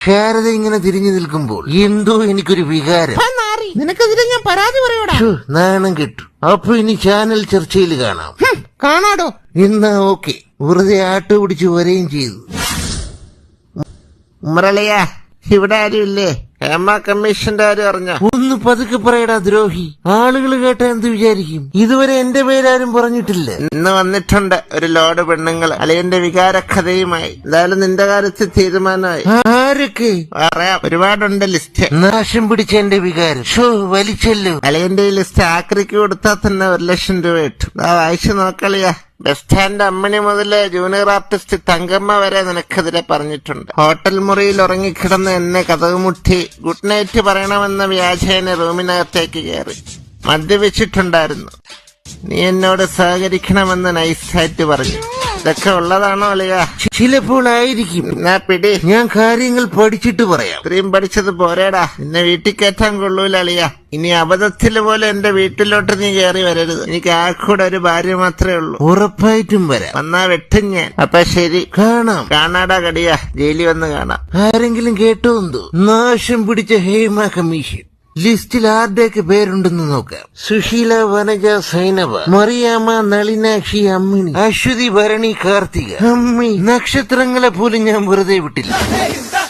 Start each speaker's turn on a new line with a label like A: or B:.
A: ശാരദ ഇങ്ങനെ തിരിഞ്ഞു നിൽക്കുമ്പോൾ എന്തോ എനിക്കൊരു വികാരം.
B: നിനക്കെതിരെ ഞാൻ പരാതി പറയൂടാ.
A: നാണം കിട്ടു. അപ്പൊ ഇനി ചാനൽ ചർച്ചയിൽ കാണാം.
B: കാണാടോ.
A: എന്നാ ഓക്കെ. വെറുതെ ആട്ട് പിടിച്ച് വരെയും ചെയ്തു.
C: മുരളിയ, ഇവിടെ ആരുമില്ലേ? ഹേമ കമ്മീഷന്റെ കാര്യം അറിഞ്ഞ?
A: ഒന്ന് പതുക്കെ പറയടാ ദ്രോഹി. ആളുകൾ കേട്ട എന്ത് വിചാരിക്കും? ഇതുവരെ എന്റെ പേരാരും പറഞ്ഞിട്ടില്ല.
C: ഇന്ന് വന്നിട്ടുണ്ട് ഒരു ലോഡ് പെണ്ണുങ്ങൾ അളിയന്റെ വികാരക്കഥയുമായി. എന്തായാലും നിന്റെ കാര്യത്തിൽ തീരുമാനമായി.
A: ആരൊക്കെ?
C: പറയാം, ഒരുപാടുണ്ട് ലിസ്റ്റ്.
A: നാശം പിടിച്ച എന്റെ വികാരം വലിച്ചല്ലോ.
C: അളിയന്റെ ഈ ലിസ്റ്റ് ആക്രിക്ക് കൊടുത്താൽ തന്നെ 1,00,000 രൂപ കിട്ടും. വായിച്ചു നോക്കളിയാ. ബസ് സ്റ്റാൻഡ് അമ്മണി മുതല് ജൂനിയർ ആർട്ടിസ്റ്റ് തങ്കമ്മ വരെ നിനക്കെതിരെ പറഞ്ഞിട്ടുണ്ട്. ഹോട്ടൽ മുറിയിൽ ഉറങ്ങിക്കിടന്ന് എന്നെ കതകുമുട്ടി ഗുഡ് നൈറ്റ് പറയണമെന്ന വ്യാജേന റൂമിനകത്തേക്ക് കയറി മദ്യപിച്ചിട്ടുണ്ടായിരുന്നു. നീ എന്നോട് സഹകരിക്കണമെന്ന് നൈസായിട്ട് പറഞ്ഞു. ഇതൊക്കെ ഉള്ളതാണോ അളിയ?
A: ചിലപ്പോൾ ആയിരിക്കും.
C: എന്നാ പിടി.
A: ഞാൻ കാര്യങ്ങൾ പഠിച്ചിട്ട് പറയാം.
C: ഇത്രയും പഠിച്ചത് പോരേടാ. നിന്നെ വീട്ടിൽ കയറ്റാൻ കൊള്ളൂല അളിയ. ഇനി അബദ്ധത്തില് പോലെ എന്റെ വീട്ടിലോട്ട് നീ കയറി വരരുത്. എനിക്ക് ആൾക്കൂടെ ഒരു ഭാര്യ മാത്രമേ ഉള്ളൂ.
A: ഉറപ്പായിട്ടും വരാം.
C: വന്നാ വെട്ടും ഞാൻ. അപ്പൊ ശരി,
A: കാണാം.
C: കാണാടാ കടിയാ. ജയിലിൽ വന്ന് കാണാം.
A: ആരെങ്കിലും കേട്ടോ എന്തോ? നാശം പിടിച്ച ഹേമ കമ്മീഷൻ ലിസ്റ്റിൽ ആരുടെയൊക്കെ പേരുണ്ടെന്ന് നോക്കാം. സുശീല, വനജ, സൈനബ, മറിയാമ്മ, നളിനാക്ഷി, അമ്മിണി, അശ്വതി, ഭരണി, കാർത്തിക. അമ്മി, നക്ഷത്രങ്ങളെ പോലും ഞാൻ വെറുതെ വിട്ടില്ല.